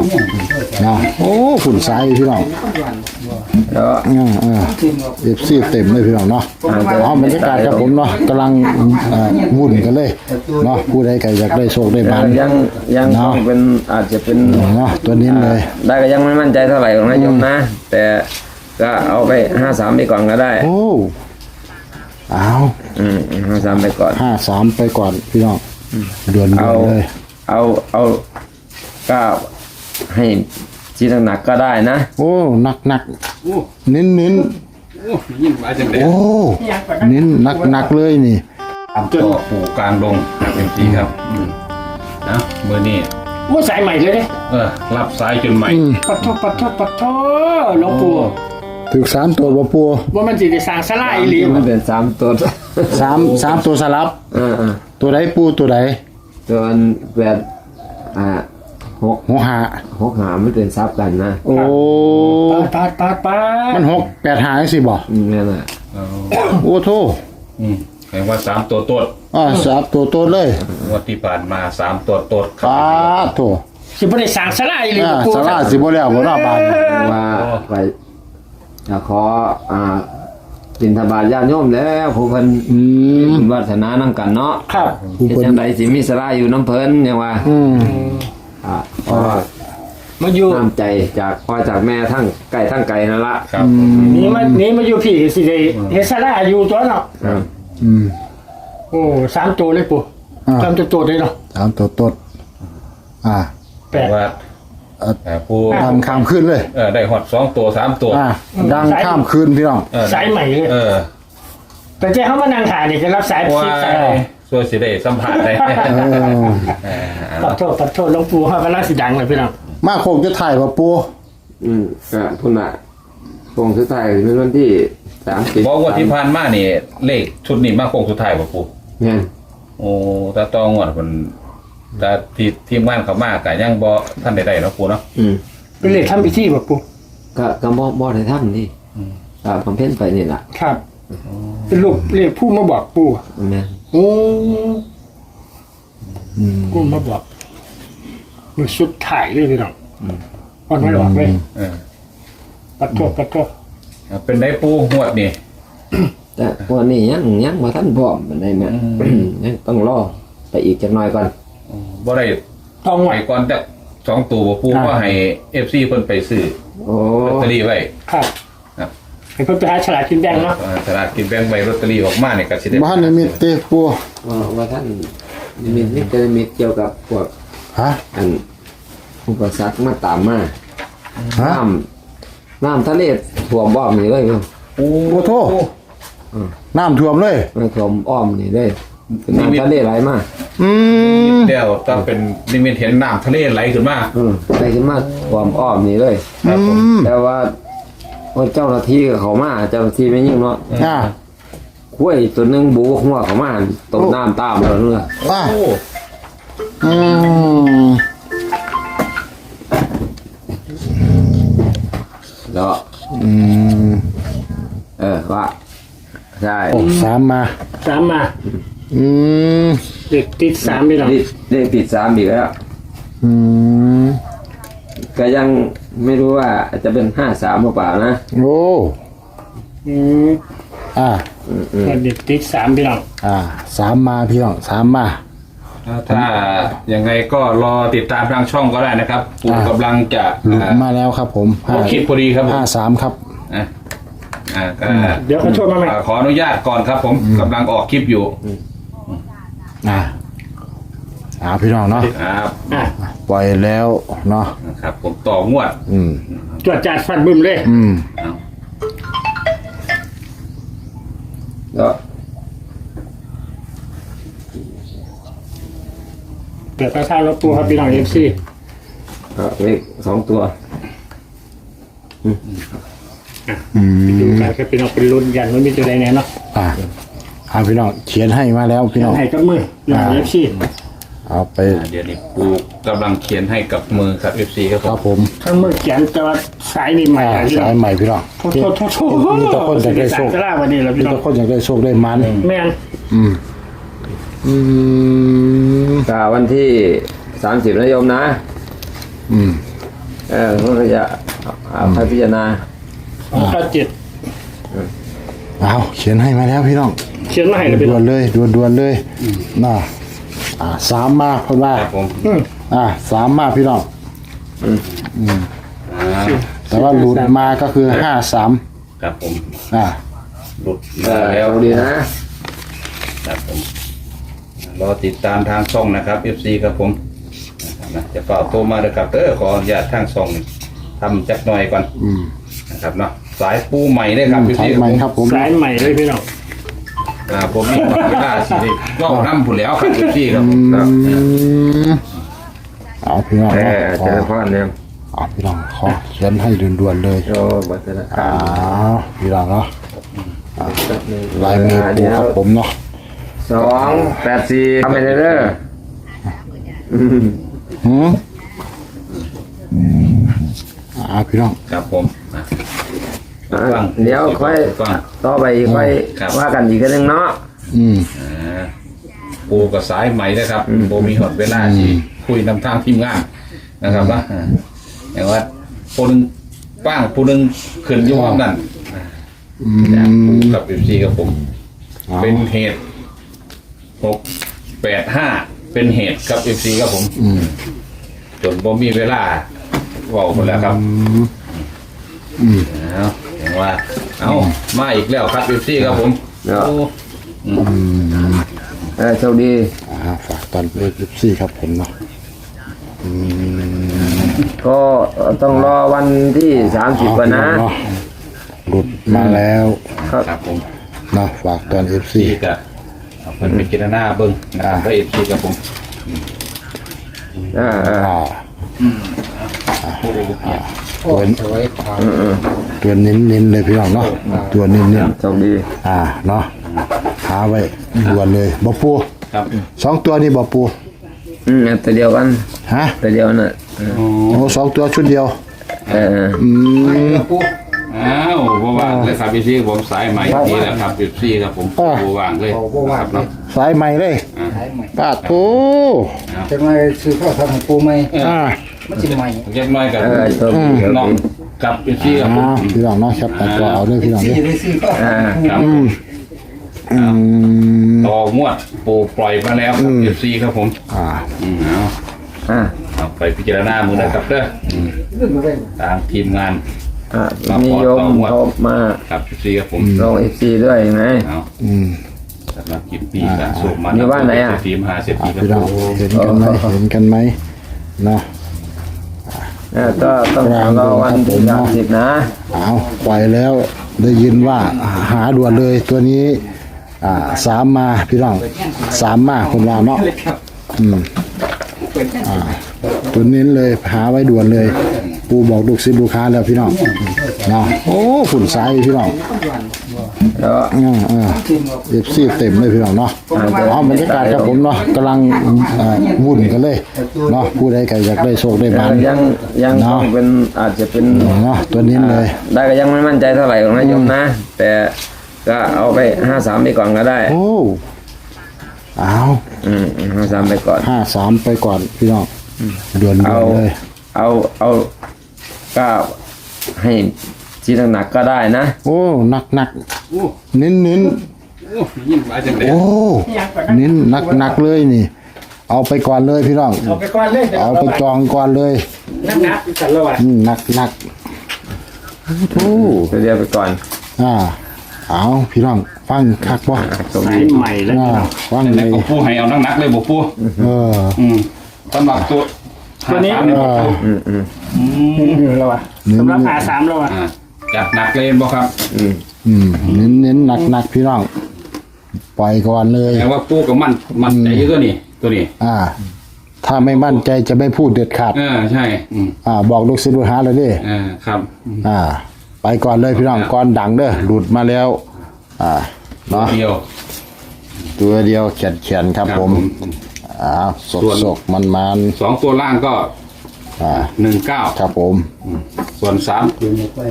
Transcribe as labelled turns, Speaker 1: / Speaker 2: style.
Speaker 1: นะโอ้ฝุ่นสายพี่น้อง
Speaker 2: แล้ว
Speaker 1: เอฟซีเต็มเลยพี่น้องเนาะเอาบรรยากาศครับผมเนาะกำลังวุ่นกันเลยเนาะผู้ใดใครอยากได้โชคได้บ้าน
Speaker 2: ยังต้องเป็นอาจจะเป็น
Speaker 1: เนาะตัวนี้เลย
Speaker 2: ได้ก็ยังไม่มั่นใจเท่าไหร่ของนายโยมนะแต่ก็เอาไป53ไปก่อนก็ได้
Speaker 1: โอ้เอา
Speaker 2: 53ไปก่อน
Speaker 1: 53ไปก่อนพี่น้องด่วนเลย
Speaker 2: เอาก็ให้ที่หนักๆก็ได้นะ
Speaker 1: โอ้หนักเน้นโอ้เน้นหนักเลยนี่
Speaker 3: ก็ปูกลางดงเป็นปีครับนะเมื่อนี้
Speaker 4: ว่าสายใหม่เลยเนี่ย
Speaker 3: รับสายจนใหม่
Speaker 4: ปัดโทหลวงปู่
Speaker 1: ถึง3ตัวบ่ปู
Speaker 4: ว่ามันสิได้สร้างศาลาอีหลี
Speaker 2: มันเป็น3ตัว
Speaker 1: 3ตัวสลับตัวใดปูตัวใด
Speaker 2: ตัวแบบ6 5ไม่เป็นซับกันนะ
Speaker 1: โอ้
Speaker 4: ปา
Speaker 1: มัน6 8 5สิบ่
Speaker 2: นั่นแหละ
Speaker 1: โอ้โธ่
Speaker 3: แปลว่า3ตัวต้น
Speaker 1: 3ตัวต้นเลย
Speaker 3: วันที่ผ่านมา3ตัวต้น
Speaker 1: ปาโธ่
Speaker 4: สิบ่ได้สร้างศาลาอีหลี
Speaker 1: ปูศาลาสิบ่แล้วบ่เนาะบาด
Speaker 2: ว่าไปขอบิณฑบาตญาติโยมแล้วผู้เพิ่นวาสนานำกันเนาะ
Speaker 4: ครับ
Speaker 2: จังได๋สิมีศาลาอยู่น้ำเพิ่นเนี่ยว่า
Speaker 4: มาอยู่
Speaker 2: น้ำใจจากพ่อจากแม่ทั้งไก่นั่นละ
Speaker 3: ครับ
Speaker 4: นี่มาอยู่พี่สิได้เฮ็ดศาลาอยู่ตัวเนาะโอ้3ตัวเลยปู่3ตัวเลยเนาะ
Speaker 1: 3ตัวต้น
Speaker 3: 8ว่าปู
Speaker 1: ดังข้ามคืนเลย
Speaker 3: ได้ฮอด2ตัว3ตัว
Speaker 1: ดังข้ามคืนพี่น้อง
Speaker 4: สายใหม่เลยแต่เจ้าเขามานั่งถ่ายนี่จะรับสาย
Speaker 3: ว่าช่วยสิได้สัมผัสได้
Speaker 4: ปัดโทษหลวงปู่เฮาก็น่าสิดังเลยพี่น้อง
Speaker 1: มาคงจะถ่ายบ่ปู่
Speaker 2: ก็พุ่นน่ะคงสุดท้ายเป็นวันที่30
Speaker 3: บอกว่าที่ผ่านมานี่เลขชุดนี้มาคงสุดท้ายบ่ปู่
Speaker 2: แม่น
Speaker 3: โอ้ตาตองวดมันแต่ทีมงานเขามากก็ยังบ่ท่านได้เนาะปู่เนาะ
Speaker 4: เป็นเลขทำพิธีบ่ปู่
Speaker 2: ก็บ่ได้ทำนี่บำเพ็ญไปนี่ล่ะ
Speaker 4: ครับเป็นลูกเลขผู้มาบอกปู่
Speaker 2: แม่น
Speaker 4: โอ้ผู้มาบอกมันสุดท้ายเลยพี่น้องอ่อนไม่หลอกเลยปัดโทษ
Speaker 3: เป็นได้ปู่หวดนี่
Speaker 2: แต่วันนี้ยังบ่ทันพร้อมปานใดแม่ยังต้องรอไปอีกจักหน่อยก่อน
Speaker 3: บ่ได้
Speaker 4: ต้อง
Speaker 3: ไปก่อนแต่2ตัวปู่ก็ให้ FC เพิ่นไปซื้อลอตเตอรี่ไว้
Speaker 4: ครับให้เพิ่นไปหาฉลากกินแบ่งเนาะ
Speaker 3: ฉลากกินแบ่งใบลอตเตอรี่ออกมาเนี่ยก็สิได้
Speaker 1: บ่ทันมีเตปู่
Speaker 2: ว่าท่านมีแต่มีเกี่ยวกับพวกอันอุปสรรคมาตามมาน้ำทะเลท่วมอ้อมนี่เลย
Speaker 1: โอ้โธ่น้ำท่วมเลย
Speaker 2: ท่วมอ้อมนี่เลยน้ำทะเลไหลมา
Speaker 3: เดี๋ยวต้องเป็นนิมิตเห็นน้ำทะเลไหลขึ้นมา
Speaker 2: ไหลขึ้นมาท่วมอ้อมนี่เลยแต่ว่าเจ้าหน้าที่เขามาเจ้าหน้าที่ไม่ยิ่งเนาะคุ้ยตัวนึงบูหัวเขามาตกน้ำตามเราเนื้อแล้วว่าใช่
Speaker 1: 3มา
Speaker 4: เด็กติด3พี่น้อง
Speaker 2: เด็กติด3อีกแล้วก็ยังไม่รู้ว่าจะเป็น53หรือเปล่านะ
Speaker 1: โอ้
Speaker 4: เด็กติด3พี่น้อง
Speaker 1: 3มาพี่น้อง3มา
Speaker 3: ถ้ายังไงก็รอติดตามทางช่องก็ได้นะครับปู่กำลังจะ
Speaker 1: มาแล้วครับผม
Speaker 3: คลิปพอดีครับ
Speaker 1: 53ครับ
Speaker 4: เดี๋ยวขอโทษมาใหม่
Speaker 3: ขออนุญาตก่อนครับผมกำลังออกคลิปอยู่
Speaker 1: พี่น้องเนาะปล่อยแล้วเนาะ
Speaker 3: ครับผมต่องวด
Speaker 4: จวดจัดฟันบึ้มเลย
Speaker 2: ก็
Speaker 4: เกิดกระชากรถตู้ครับพี่น้องFC
Speaker 2: เลข2ตัว
Speaker 4: ดูกันครับพี่น้องเป็นรุ่นยันมันมีตัวใดแน่เนาะ
Speaker 1: พี่น้องเขียนให้มาแล้วพี่น้อง
Speaker 4: ให้กับมือFC
Speaker 1: เอาไป
Speaker 3: เดี๋ยวนี้ปู่กำลังเขียนให้กับมือครับ FC
Speaker 1: ครับผม
Speaker 4: ทั้งมือเขียนแต่ว่าสายนี่ใหม่
Speaker 1: สายใหม่พี่น้อง
Speaker 4: โทษมี
Speaker 1: แต่คนอยากได้โชค
Speaker 4: วันนี้แล้วพี่น้อง
Speaker 1: มีแต่คนอยากได้โชคได้มัน
Speaker 4: แม่น
Speaker 2: วันที่30นะโยมนะมันก็จะให้พิจารณา
Speaker 4: 97
Speaker 1: เอาเขียนให้มาแล้วพี่น้อง
Speaker 4: เขียนมาให้เลยพี่
Speaker 1: ด่
Speaker 4: น้
Speaker 1: ว
Speaker 4: อง
Speaker 1: นเลยด่วนเลยน่ะสามมาเพราะว่า
Speaker 3: ครับผม
Speaker 1: สามมาพี่น้อง แต่ว่าหลุดมาก็คือ53
Speaker 3: ครับผม หลุด
Speaker 2: เอ
Speaker 3: มา
Speaker 2: อ
Speaker 3: แล้ว
Speaker 2: เอาดีนะ
Speaker 3: ครับผมรอติดตามทางช่องนะครับ FC ครับผมนะครับจะเป่าโทรมาเลยครับขออนุญาตทางช่องทำจักหน่อยก่อนนะครับเนาะสายปูใหม่ได้ครับ
Speaker 1: ใช้
Speaker 3: FC
Speaker 1: ไหมครับผม
Speaker 4: สายใหม่เลยพี่น้อง
Speaker 3: ผมมีเวลาสิได้ก็น้ำผุนแล้วครับ FC ครับผมครับ
Speaker 1: เอาพี่น้อง
Speaker 2: เจริญพรเนี่ย
Speaker 1: เอาพี่น้องขอเขียนให้ด่วนๆเลย
Speaker 2: โอ้บัตรนะค
Speaker 1: พี่น้องเนาะลายมือปูครับผมเนาะ
Speaker 2: 284ทำไปเด้อ
Speaker 1: พี่น้อง
Speaker 3: ครับผมฟัง
Speaker 2: เดี๋ยวค่อย
Speaker 3: ฟัง
Speaker 2: ต่อไปค่อย
Speaker 3: ครับ
Speaker 2: ว่ากันอีกนึงเนาะ
Speaker 3: ปูกับสายใหม่นะครับปูมีหดเวลาที่คุยนำทางทีมงานนะครับว่าอย่างว่าปูนึงป้างปูนึงขึ้นอยุ่งนั่นจากปูกับFCกับผม เป็นเหตุ685เป็นเหตุกับ FC ครับผมจนผมมีเวลาเว้าหมดแล้วครับเอาอย่างว่าเอามาอีกแล้วครับ FC ครับผมโอ้
Speaker 2: โชคดี
Speaker 1: ฝากตอนเอฟซีครับผมเนาะ
Speaker 2: ก็ต้องรอวันที่30ก่อนนะ
Speaker 1: หลุดมาแล้ว
Speaker 3: ครับผม
Speaker 1: เนาะฝากตอนเอฟซี
Speaker 3: ที่จะเอาเป็นไปกินหน้าเบิ้งนะครับได้ FC ครับผม
Speaker 1: ตัวเน้นๆเลยพี่น้องเนาะตัวเน้น
Speaker 2: โชคดี
Speaker 1: เนาะหาไว้ด่วนเลยบ่ปู
Speaker 3: ครับ
Speaker 1: 2ตัวนี่บ่ปู
Speaker 2: ตัวเดียวกัน
Speaker 1: ฮะ
Speaker 2: ตัวเดียวน่ะ
Speaker 1: โอ้2ตัวชุดเดียว
Speaker 3: อ้าวบ่ว่างเลยครับ FC ผมสายใหม่นี่แหละครับ FC ครับผมบ่ว่างเลยครับเนาะ
Speaker 1: สายใหม่เลยปาดโถ
Speaker 5: จะมาซื้อข้าวทำปูไหม มันจะใหม่
Speaker 3: เล็กน้อยกับ
Speaker 2: โชคดี
Speaker 3: น้องกับ FC ครับผม
Speaker 1: พี่น้องเนาะครับตัดตัวเอาด้วยพี่น้อง
Speaker 5: ที่
Speaker 1: เด้
Speaker 5: จะได้ซื้อข้าว
Speaker 3: ครับต่องวดปูปล่อยมาแล้วครับ FC ครับผมเอาไปพิจารณามือนะครับเด้อ
Speaker 5: เรื่องอะไร
Speaker 3: ตามทีมงาน
Speaker 2: มีโยมเขามา
Speaker 3: ครับ FC ครับผม
Speaker 2: ลง FC ด้วยไง
Speaker 3: เอาสำหรับคลิปนี้การส่งมา
Speaker 2: อยู่บ้านไหนอ่ะ
Speaker 3: ทีมหาเศรษฐีครับ
Speaker 1: พี่น้อง
Speaker 3: ผม
Speaker 1: เห็นกันไหมเนาะ
Speaker 2: ก็ต้องรอวันที่30นะ
Speaker 1: เอาปล่อยแล้วได้ยินว่าหาด่วนเลยตัวนี้3มาพี่น้อง3มาคนว่าเนาะตัวนี้เลยหาไว้ด่วนเลย ปูบอกลูกศิษย์ลูกค้าแล้วพี่น้องเนาะโอ้ฝุ่นสายพี่น้อง
Speaker 2: แล้ว
Speaker 1: เอฟซีเต็มเลยพี่น้องเนาะเอาบรรยากาศครับผมเนาะกำลังวุ่นกันเลยเนาะผู้ใดก็อยากได้โชคได้บาน
Speaker 2: ยังต้องเป็นอาจจะเป็น
Speaker 1: เนาะตัวนี้เลย
Speaker 2: ได้ก็ยังไม่มั่นใจเท่าไหร่ของนายโยมนะ แต่ก็เอาไป53ไปก่อนก็ได้
Speaker 1: โอ้เอา
Speaker 2: 53ไปก่อน
Speaker 1: 53ไปก่อนพี่น้องด่วนเลย
Speaker 2: เอาก็ให้ที่หนักๆก็ได้นะ
Speaker 1: โอ้หนักเน้น
Speaker 3: ยิ่งหลายจังเลย
Speaker 1: โอ้เน้นหนักเลยนี่ เอาไปก่อนเลยพี่น้อง
Speaker 4: เอาไปก่อนเลย
Speaker 1: เอาไปจองก่อนเลย
Speaker 4: นักกันแล้วอ่ะ
Speaker 1: หนักโอ้
Speaker 2: ตัวเดียวไปก่อน
Speaker 1: เอาพี่น้องฟังคักบ่
Speaker 2: ตรง
Speaker 4: สาย
Speaker 2: นี้
Speaker 4: ใหม่เลย
Speaker 1: ฟัง
Speaker 3: แต่
Speaker 1: เลย
Speaker 3: ก็ปูให้เอานักๆเลยบ่ปู สำหรับตัวนี้
Speaker 4: แล้วอ่ะสำหรับ53แล้วอ่ะ
Speaker 3: จัดหนักเลยบ่ครับ
Speaker 1: เน้นหนักพี่น้องปล่อยก่อนเลย
Speaker 3: แปลว่าปูกับมันใจเยอะตัวนี้
Speaker 1: ถ้าไม่มั่นใจจะไม่พูดเด็ดขาด
Speaker 3: ใช่
Speaker 1: บอกลูกศิษย์ลูกหาเลยดิ
Speaker 3: ครับ
Speaker 1: ไปก่อนเลยพี่น้องก่อนดังเด้อหลุดมาแล้วเนาะ
Speaker 3: เดียว
Speaker 1: ตัวเดียวเขียนครับผมสกมัน
Speaker 3: 2 ตัวล่างก็19
Speaker 1: ครับผม
Speaker 3: ส่วน3